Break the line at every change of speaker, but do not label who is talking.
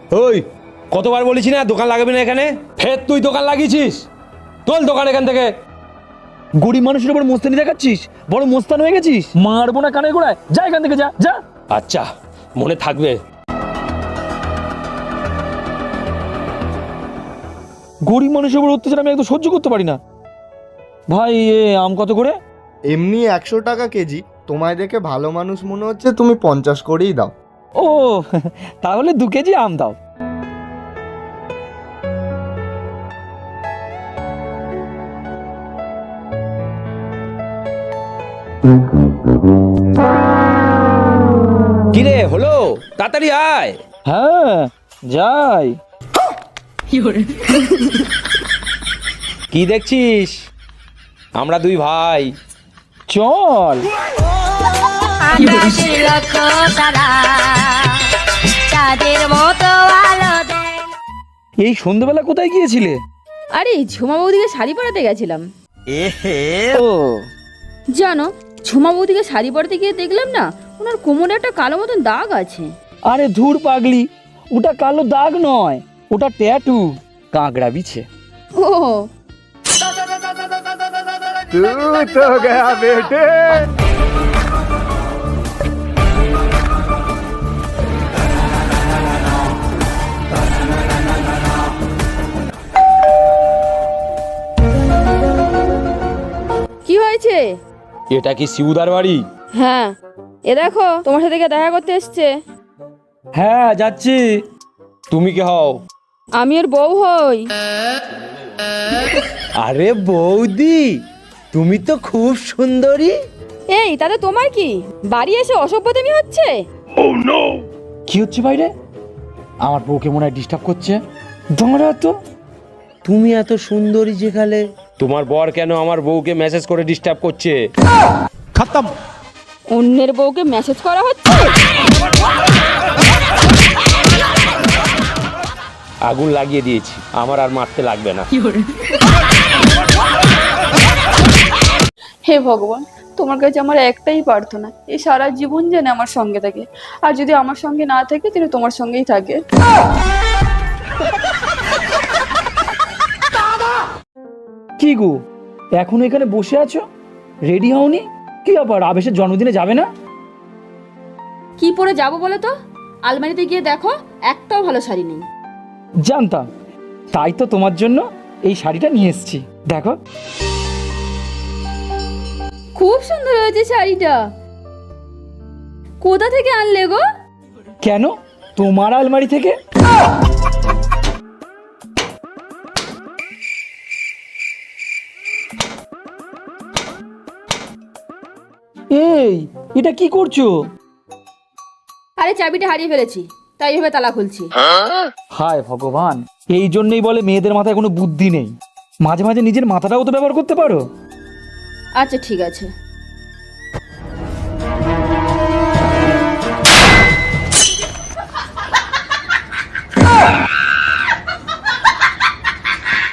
ওই কতবার বলেছি না দোকান লাগাবি না এখানে, ফের তুই দোকান লাগিয়েছিস। তোল দোকান এখান থেকে।
গরিব মানুষের উপর মোস্তানি দেখাচ্ছিস, বড় মোস্তান হয়ে গেছিস। মারবো না কানের গোড়ায়, যা এখান থেকে, যা যা।
আচ্ছা মনে থাকবে।
গরিব মানুষের উপর অত্যাচার আমি একদম সহ্য করতে পারি না। ভাই এ আম কত করে?
এমনি 100 টাকা কেজি, তোমায় দেখে ভালো মানুষ মনে হচ্ছে, তুমি 50 করেই দাও।
ও তাহলে 2 কেজি আম দাও।
কিরে হলো, তাড়াতাড়ি আয়।
হ্যাঁ যাই।
কি দেখছিস? আমরা 2 ভাই।
চল। এই সন্ধ্যাবেলা কোথায় গিয়েছিলে?
আরে ঝুমা বৌদিকে শাড়ি পরাতে গেছিলাম।
ও
জানো, ঝুমা বৌদিকে শাড়ি পরাতে গিয়ে দেখলাম না, ওনার কোমরে একটা কালো মতন দাগ আছে।
আরে ধুর পাগলি, ওটা কালো দাগ নয়, ওটা ট্যাটু, কাঁকড়া বিছে।
ও
तू तो गया बेटे।
কি হয়েছে?
এটা কি শিবুদার বাড়ি?
হ্যাঁ, এ দেখো তোমার সাথে কে দেখা করতে এসছে।
হ্যাঁ যাচ্ছি।
তুমি কি হও?
আমি ওর বউ হই।
আরে বৌদি, তুমি তো খুব সুন্দরী।
এই তাতে তোমার কি? বাড়ি এসে অসভ্যতামি হচ্ছে।
কি হচ্ছে বাইরে? আমার বউকে মনে হয় ডিস্টার্ব করছে। দাঁড়া তো।
তুমি এত সুন্দরী যেখানে, তোমার বর কেন আমার বউকে মেসেজ করে ডিস্টার্ব করছে?
খতম।
অন্যের বউকে মেসেজ করা হচ্ছে।
আগুন লাগিয়ে দিয়েছি, আমার আর মারতে লাগবে না।
হে ভগবান, তোমার কাছে আমার একটাই প্রার্থনা, এই সারা জীবন যেন আমার সঙ্গে থাকে, আর যদি আমার সঙ্গে না থাকে তাহলে তোমার সঙ্গেই থাকে।
কি গো, এখনো এখানে বসে আছো? রেডি হওনি? কি ব্যাপার, আবেশের জন্মদিনে যাবে না?
কি পরে যাবো বলো তো? আলমারিতে গিয়ে দেখো, একটাও ভালো শাড়ি নেই।
জানতাম, তাই তো তোমার জন্য এই শাড়িটা নিয়ে এসেছি, দেখো।
খুব সুন্দর হয়েছে শাড়িটা। কোথা থেকে আনলে গো?
কেন, তোমার আলমারি থেকে। এই, এটা কি করছো?
আরে চাবিটা হারিয়ে ফেলেছি, তাই ভেবে তালা খুলছি।
হায় ভগবান, এই জন্যই বলে মেয়েদের মাথায় কোনো বুদ্ধি নেই। মাঝে মাঝে নিজের মাথাটাও তো ব্যবহার করতে পারো।
আচ্ছা ঠিক আছে।